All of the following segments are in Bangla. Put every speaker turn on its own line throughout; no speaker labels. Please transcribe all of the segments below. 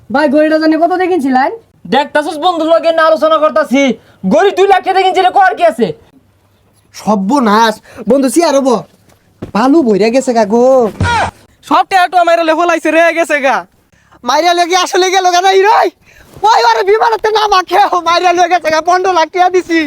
ভাই গড়িটা জানি কত দেখিনছিলেন?
দেখতাছস বন্ধুর লগে না আলোচনা করতাছি, গড়ি 2 লাখ টাকা কিনছিলে কর কি আছে?
সর্বনাশ বন্ধু সিয়ার হবো ভালো বইরা গেছে গা গো।
সব টেয়াটো আমার লেফলাইছে রে গেছে গা।
মাইরা লেগে আসলে গেল গা নাই রই ওই আরে বিমানতে না মাখে মাইরা লেগে গেছে গা 15 লাখ টাকা দিছি।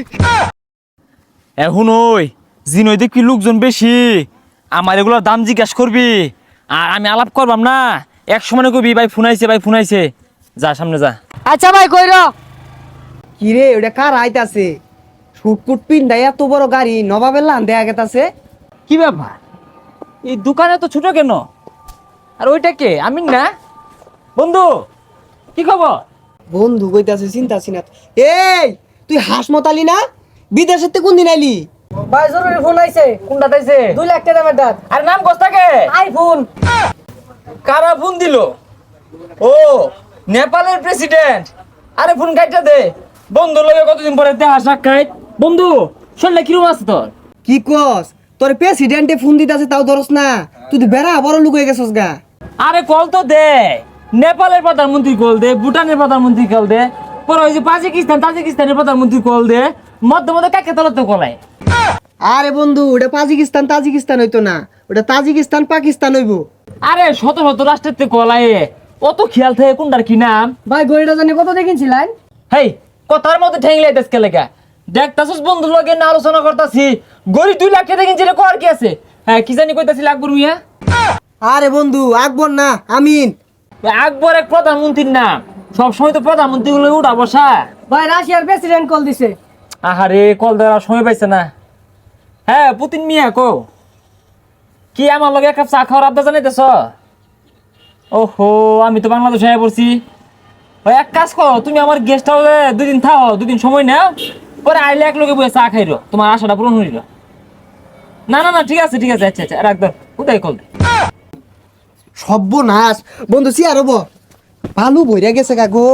এখন ওই জিনই দেখবি লোকজন বেশি, আমার এগুলোর দাম জিজ্ঞাসা করবি আর আমি আলাপ করবাম না, এক সময় কবি ভাই ফোন আইছে, যা সামনে যা।
আচ্ছা ভাই কইর।
কি রে ওটা কার আইতাছে? শুটকুট পিন্ডাই এত বড় গাড়ি নবাবের লান দেয়া গেতাছে।
কি ব্যাপার, এই দোকানে তো ছোট কেন? আর ওইটা কে? আমি না বন্ধু, কি খবর?
বন্ধু কইতাছে চিন্তা সিনা। এই তুই হাসমতালি না? বিদেশের তে কোন দিন আইলি?
ভাই জরুরি ফোন আইছে।
কোনটা তাইছে?
2 লাখ টাকা দামের দাঁত।
আর নাম কোস্তাকে?
আইফোন।
কারা ফোন দিল? ও নেপালের প্রেসিডেন্ট। আরে ফোন কাইটা দে, বন্ধুর লগে কতদিন পরে দেখা সাক্ষাৎ। বন্ধু শরীরে কিরম আছে তোর?
কি কস? তোর প্রেসিডেন্টে ফোন দিতাছে তাও ধরস না? তুই তো বেড়া বড় লোক হয়ে গেছস গা।
আরে কল তো দে, নেপালের প্রধানমন্ত্রী কল দে, ভুটানের প্রধানমন্ত্রী কল দে, পরে ওই যে তাজিকিস্তানের প্রধানমন্ত্রী কল দে, মধ্যে মধ্যে কাকে তলতে কলায়।
আরে বন্ধু ওটা তাজিকিস্তান হইতো না, ওটা তাজিকিস্তান পাকিস্তান হইবো।
আরে শত শত রাষ্ট্রের কলায় অত খেয়াল থাকে কোনটার কি নাম।
ভাই গড়িটা জানি কত দেখিনছিলেন?
হেই কথার মধ্যে ঠেংলাই দেশকে লেখা, দেখতাছস বন্ধুর লগে না আলোচনা করতাছি, গড়ি 2 লাখ টাকা কিনছিলে কর কি আছে? হ্যাঁ কি জানি কইতাছিল আকবর মিয়া?
আরে বন্ধু আকবর না আমিন।
আকবর এক প্রধানমন্ত্রীর নাম, সবসময় তো প্রধানমন্ত্রী গুলো উঠা বসা।
ভাই রাশিয়ার প্রেসিডেন্ট কল দিছে।
আহারে কল দেওয়ার সময় পাইছে না। হ্যাঁ পুতিন মিয়া কো, কি আমার লগে এক কাপ চা খাওয়ার আবদা জানাইতেছ? ওহো আমি তো বাংলাদেশে আয়া পড়ছি। ওই এক কাজ করো, তুমি আমার গেস্ট হাউসে 2 দিন থাও, 2 দিন সময় নাও, পরে আইলে এক লগে বসে চা খাইরো, তোমার আশাটা পূরণ হইল। না না না ঠিক আছে আচ্ছা আচ্ছা রাখ দাও, উদয় কল দে।
সর্বনাশ বন্ধু সিয়ার হবো ভালো বইরা গেছে গা গো।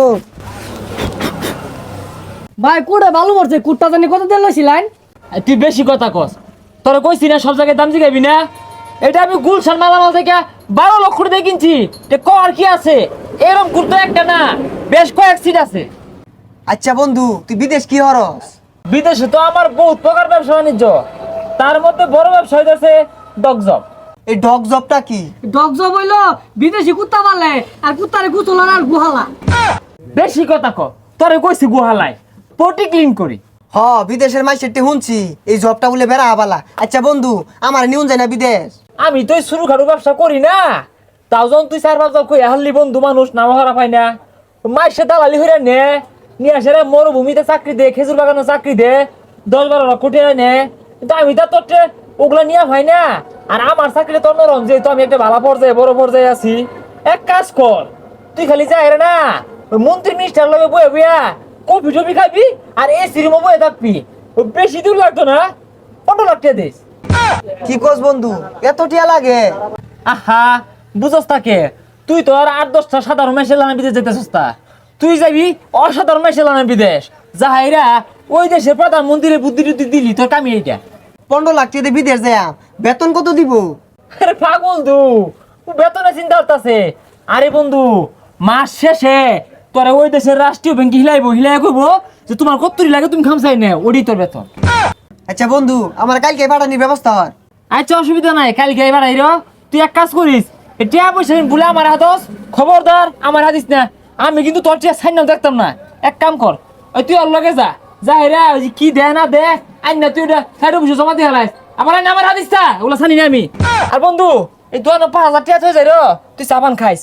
ভাই কুড়ে ভালো করছে। কুটটা জানি কত দেন লইছিলেন?
তুই বেশি কথা কস, তোরা কইছি না সব জায়গায় দাম জিগাবি না। এটা আমি গুলশান মালামাল থেকে 12 লক্ষ টাকা দিয়ে কিনছি, তে কর কি আছে? এরকম কুর্তো একটা না, বেশ কয়েক সিট আছে।
আচ্ছা বন্ধু তুই বিদেশ কি হরস?
বিদেশে তো আমার বহুত প্রকার ব্যবসা বাণিজ্য, তার মধ্যে বড় ব্যবসা হইতেছে ডগজব।
এই ডগ জবটা কি?
ডগ জব হইলো বিদেশি কুত্তা পালে আর কুত্তারে কুতলার আর গুহালা।
বেশি কথা ক, তোরে কইছি গুহালায় পটি ক্লিন করি।
হ বিদেশের মাইসেরটি শুনছি এই জবটা বলে বেড়া আবালা। আচ্ছা বন্ধু আমার নিউন যায় না বিদেশ?
আমি তো শুরু খারু ব্যবসা করি না, তাও যখন তুই 4-5 জন কই হাল্লি বন্ধু মানুষ নাম হারা পাই না, মাইসে দালালি হইরা নে নিয়ে আসে মরুভূমিতে চাকরি দে, খেজুর বাগানে চাকরি দে, 10-12 লক্ষ টাকা নে। কিন্তু আমি তো তোর ওগুলা নিয়ে হয় না। আর আমার চাকরি তোর নরম, যেহেতু আমি একটা ভালো পর্যায়ে বড় পর্যায়ে আছি। এক কাজ কর, তুই খালি যাই না ওই মন্ত্রী মিনিস্টার লগে বয়ে বইয়া কফি টফি খাবি আর এসি রুমে বয়ে থাকবি, বেশি দূর লাগতো না, 15 লাখ টাকা দিস।
কি কস বন্ধু এত টিয়া লাগে?
আহা বুঝস তাকে, তুই তো আর 8-10টা সাধারণ মেশে লানা বিদেশ যেতেছস তা, তুই যাবি অসাধারণ মেশে লানা বিদেশ, যাহাইরা ওই দেশের প্রধানমন্ত্রীর বুদ্ধি টুদ্ধি দিলি তোর কামি এইটা।
15 লাখ টাকা দিয়ে বিদেশ যায় বেতন কত দিব?
আরে পাগল তু, বেতনে চিন্তা করতেছে। আরে বন্ধু মাস শেষে তোরা ওই দেশের রাষ্ট্রীয় ব্যাংকে হিলাই কইবো যে তোমার কত্তরি লাগে তুমি খামসাই নে, ওডি তোর বেতন।
আচ্ছা বন্ধু আমার কালকে পাঠানির ব্যবস্থা হর।
আচ্ছা অসুবিধা নাই, কালকে এবার আইরো। তুই এক কাজ করিস, টিয়া পয়সা বলে আমার হাতস, খবরদার আমার হাতিস না, আমি কিন্তু তোর টিয়া সাইন দেখতাম না। এক কাম কর, ওই তুই ওর লগে যা হেরা ওই যে কি দে না দে আইন না, তুই ওটা সাইড অফিসে জমা দিয়ে হারাইস, আমার হাতিস না, ওগুলো জানি না আমি। আর বন্ধু এই 5,000 টাকা হয়ে যায় তুই চাপান খাইস।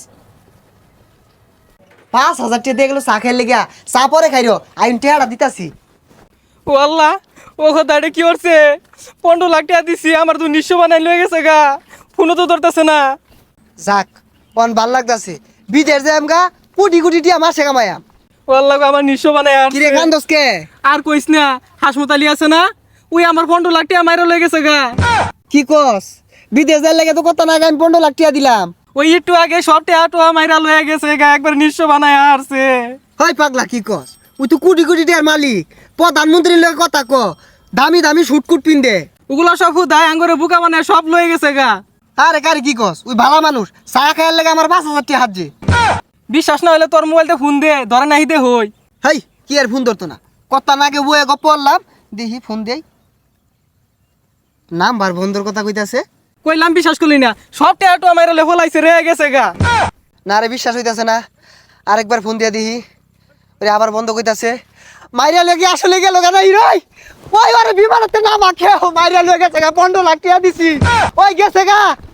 5,000 টাকা দিয়ে গেলো চা খাই লেগা, চা পরে খাইরো আইন টেহারা দিতাছি।
ও আল্লাহ, ও কথাটা কি করছে? 15 লাখ টাকা দিছি, আমার তো নিঃস্ব বানাই লয়ে গেছে গা, ফোনও তো ধরতেছে না।
যাক অন ভাল লাগতাছে, বিদেশ যাই আমগা কোটি কোটি টিয়া মাসে কামায়াম।
ও আল্লাহ আমার নিঃস্ব বানাই আর
কিরে কান্দস কে?
আর কইস না, হাসমতালি আছে না, ওই আমার 15 লাখ টাকা মাইরা লয়ে গেছে গা।
কি কস? বিদেশ যাই লাগে তো কত না আমি 15 লাখ টাকা দিলাম।
ওই একটু আগে সব টাকা মাইরা লয়ে গেছে গা, একবার নিঃস্ব বানাই আসছে।
হয় পাগলা কি কস? ওই তো কোটি কোটি টিয়ার মালিক, প্রধানমন্ত্রীর লগে কথা ক, দামি দামি শুটকুট পিন্দে।
ওগুলা সব হুদায় আঙ্গরে বুকা বানায় সব লয়ে গেছে গা।
আরে কারে কি কস? ওই ভালা মানুষ চা খাইয়ার লাগে আমার 5,000 টাকা হাত যে।
বিশ্বাস না হলে তোর মোবাইলতে ফোন দে ধরে নাহি দে হই
হেই কি আর ফোন ধরতো না কথা নাগে বয়ে গপ পড়লাম দেখি ফোন দেই নাম্বার বন্ধুর কথা কইতাছে
কইলাম বিশ্বাস করলি না সব টেয়াটো আমার লেভেল আইছে রে গেছে গা
না রে বিশ্বাস হইতাছে না আরেকবার ফোন দিয়া দিহি ওরে আবার বন্ধ কইতাছে মাইরা লেগে আসলে গেল কেন রই ওই আরে বিমানতে না মাখে মাইরা লেগে গেছে গা 15 লাখ টাকা দিছি ওই গেছে গা